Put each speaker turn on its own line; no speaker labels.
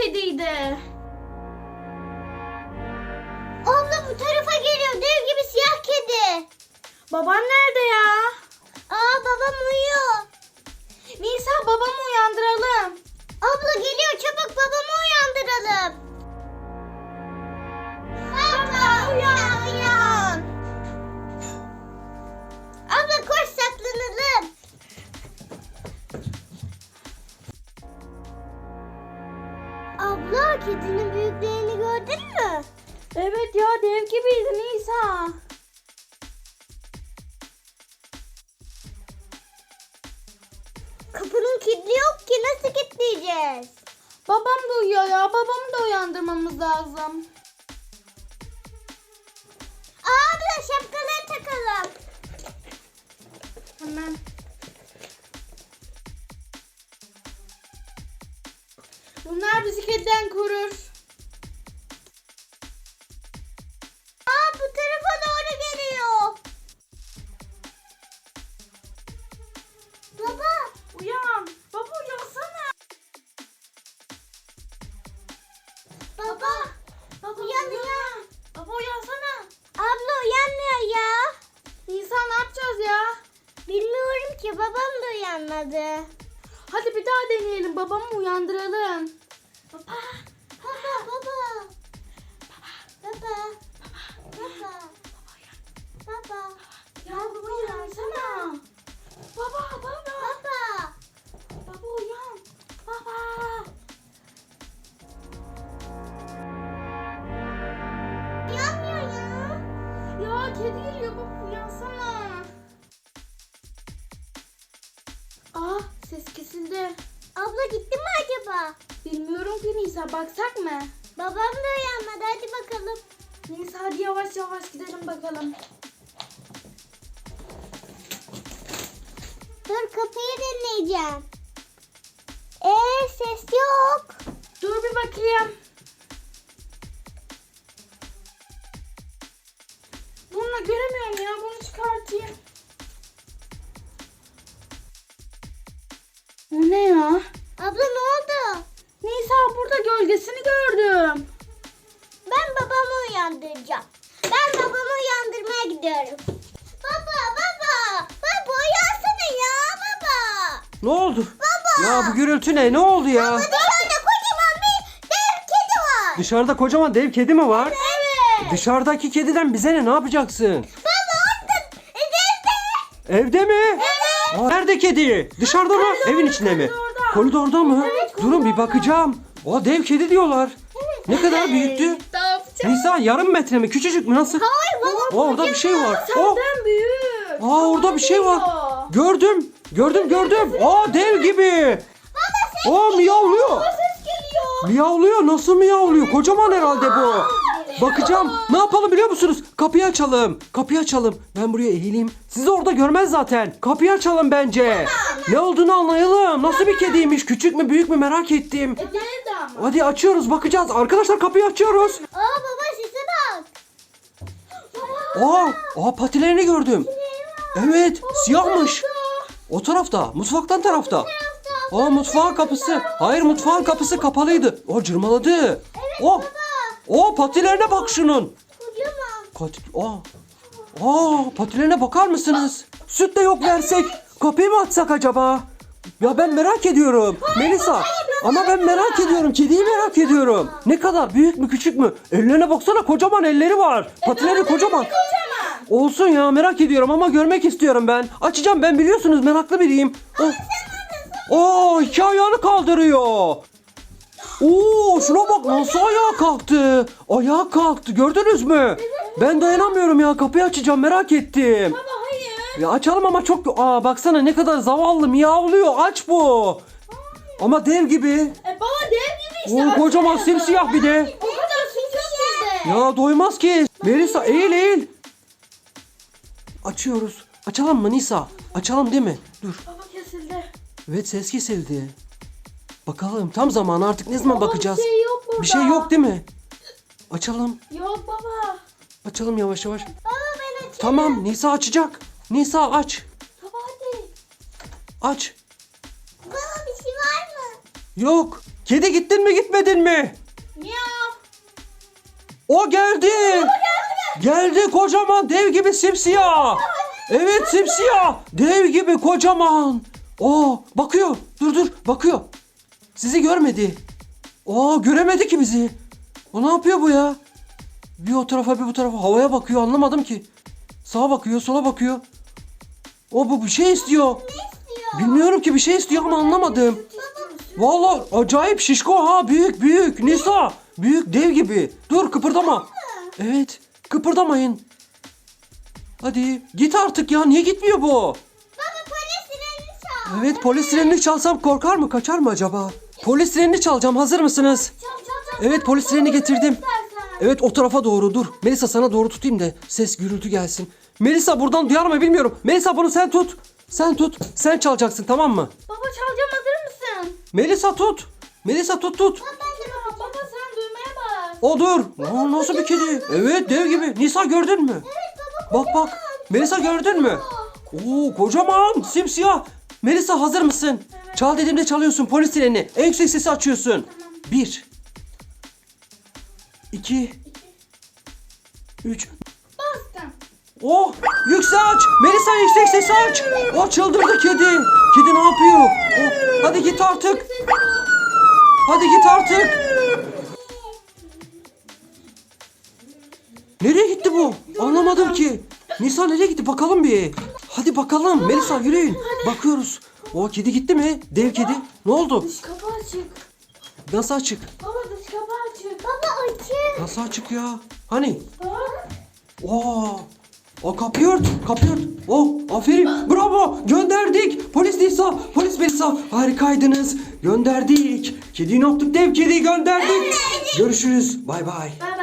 kediydi.
Abla bu tarafa geliyor. Dev gibi siyah kedi.
Baban nerede ya?
Babam uyuyor.
Nisa, babamı uyandıralım.
Abla geliyor, çabuk babamı uyandıralım. Baba uyan. Abla koş, saklanalım. Abla kedinin büyüklüğünü gördün mü?
Evet ya, dev gibiydi Nisa.
Kapının kilidi yok ki, nasıl kilitleyeceğiz?
Babam da uyuyor ya, babamı da uyandırmamız lazım.
Abla şapkaları takalım.
Hemen. Bunlar bizi kediden korur.
Bu tarafa doğru geliyor. Baba.
Uyan. Baba uyansana.
Baba. Uyan.
Baba uyansana.
Abla uyanmıyor ya.
Nisa, ne yapacağız ya?
Bilmiyorum ki, babam da uyanmadı.
Hadi bir daha deneyelim, babamı uyandıralım.
Baba.
Ya baba uyansana. Baba. Baba uyan. Baba.
Uyanmıyor ya.
Ya kedi geliyor, baba uyansana. Ses kesildi.
Abla gitti mi acaba?
Bilmiyorum ki Nisa, baksak mı?
Babam da uyanmadı, hadi bakalım.
Nisa hadi yavaş yavaş gidelim bakalım.
Dur, kapıyı deneyeceğim. Ses yok.
Dur bir bakayım. Bununla göremiyorum ya, bunu çıkartayım. Bu ne ya?
Abla ne oldu?
Nisa, burada gölgesini gördüm.
Ben babamı uyandıracağım. Ben babamı uyandırmaya gidiyorum. Baba. Baba uyansana ya baba.
Ne oldu?
Baba.
Ya bu gürültü ne? Ne oldu ya?
Dışarıda kocaman bir dev kedi var.
Dışarıda kocaman dev kedi mi var?
Evet.
Dışarıdaki kediden bize ne? Ne yapacaksın?
Baba orada evde.
Evde mi?
Evet.
Nerede kedi? Dışarıda mı? Evin içinde mi?
koridorda.
Koridorda mı?
Evet,
Durun bir bakacağım. Dev kedi diyorlar. Ne kadar büyüktü?
Ne yapacağız?
Nisa, yarım metre mi? Küçücük mü? Nasıl?
Hayır baba.
Orada bir şey var.
Senden büyük.
Orada bir şey var. Gördüm. Gördüm. Dev gibi. Miyavlıyor.
Ses geliyor.
Miyavlıyor. Nasıl miyavlıyor? Kocaman herhalde bu. Bakacağım. Ne yapalım biliyor musunuz? Kapıyı açalım. Ben buraya eğileyim. Sizi orada görmez zaten. Kapıyı açalım bence. Ne olduğunu anlayalım. Nasıl bir kediymiş? Küçük mü büyük mü merak ettim.
Nerede ama?
Hadi açıyoruz, bakacağız. Arkadaşlar kapıyı açıyoruz.
Baba sese bak.
Patilerini gördüm. Evet, siyahmış. O tarafta, mutfaktan tarafta. Mutfağın kapısı. Hayır, mutfağın kapısı kapalıydı. Cırmaladı. Patilerine bak şunun.
Kocaman.
Patilerine bakar mısınız? Süt de yok versek. Kapıyı mı açsak acaba? Ya ben merak ediyorum. Melisa. Ama ben merak ediyorum. Kediyi merak ediyorum. Ne kadar? Büyük mü küçük mü? Ellerine baksana, kocaman elleri var. Patileri kocaman. Olsun ya, merak ediyorum ama görmek istiyorum ben. Açacağım, ben biliyorsunuz meraklı biriyim. İki ayağını kaldırıyor. Şuna bak, nasıl ayağa kalktı. Ayağa kalktı, gördünüz mü? Ben dayanamıyorum ya, kapıyı açacağım, merak ettim.
Baba hayır.
Ya açalım ama çok... baksana ne kadar zavallı, miyavlıyor, aç bu. Ama dev gibi.
Baba dev gibi işte.
Kocaman simsiyah bir de.
O kadar süt yok bizde.
Ya doymaz ki. Melisa eğil. Açıyoruz. Açalım mı Nisa? Açalım değil mi? Dur.
Baba kesildi.
Evet, ses kesildi. Bakalım tam zamanı, artık ne zaman bakacağız?
Bir şey yok burada.
Bir şey yok değil mi? Açalım.
Yok baba.
Açalım yavaş yavaş.
Baba ben açayım.
Tamam, Nisa açacak. Nisa aç.
Baba hadi.
Aç.
Baba bir şey var mı?
Yok. Kedi gittin mi gitmedin mi?
Miyav.
O geldi. Geldi kocaman dev gibi simsiyah. Evet simsiyah. Dev gibi kocaman. Bakıyor. Dur bakıyor. Sizi görmedi. Göremedi ki bizi. O ne yapıyor bu ya? Bir o tarafa bir bu tarafa havaya bakıyor, anlamadım ki. Sağa bakıyor, sola bakıyor. Bu bir şey istiyor. Bilmiyorum ki, bir şey istiyor ama anlamadım. Vallahi acayip şişko ha, büyük Nisa. Büyük dev gibi. Dur kıpırdama. Evet kıpırdamayın. Hadi git artık ya, niye gitmiyor bu?
Baba polis sirenini çal.
Evet, polis sirenini çalsam korkar mı, kaçar mı acaba? Polis sirenini çalacağım, hazır mısınız? Evet, polis sirenini getirdim. Evet, o tarafa doğru dur. Melisa sana doğru tutayım da ses gürültü gelsin. Melisa buradan duyar mı bilmiyorum. Melisa bunu sen tut. Sen tut. Sen çalacaksın, tamam mı?
Baba çalacağım, hazır mısın?
Melisa tut. Melisa tut.
Baba sen duymaya bak.
O dur. Nasıl bir kedi? Evet, dev gibi. Nisa gördün mü? Bak. Melisa gördün mü? Kocaman simsiyah. Melisa hazır mısın? Evet. Çal dediğimde çalıyorsun polis sirenini. En yüksek sesi açıyorsun. 1 2 3
Bastım.
Yüksek aç. Melisa yüksek sesi aç. Çıldırdı kedi. Kedi ne yapıyor? Hadi git artık. Hadi git artık. Nereye gitti bu? Anlamadım ki. Nisa nereye gitti? Bakalım bir. Hadi bakalım. Melisa yürüyün. Bakıyoruz. Kedi gitti mi? Dev kedi. Ne oldu?
Dış kapı açık.
Nasıl açık?
Baba dış kapı açık.
Baba açık.
Nasıl açık ya? Hani?
Bak.
Kapıyı ört. Aferin. Bravo. Gönderdik. Polis Nisa. Polis Melisa. Harikaydınız. Gönderdik. Kediyi ne yaptık? Dev kediyi gönderdik. Görüşürüz. Bay bay.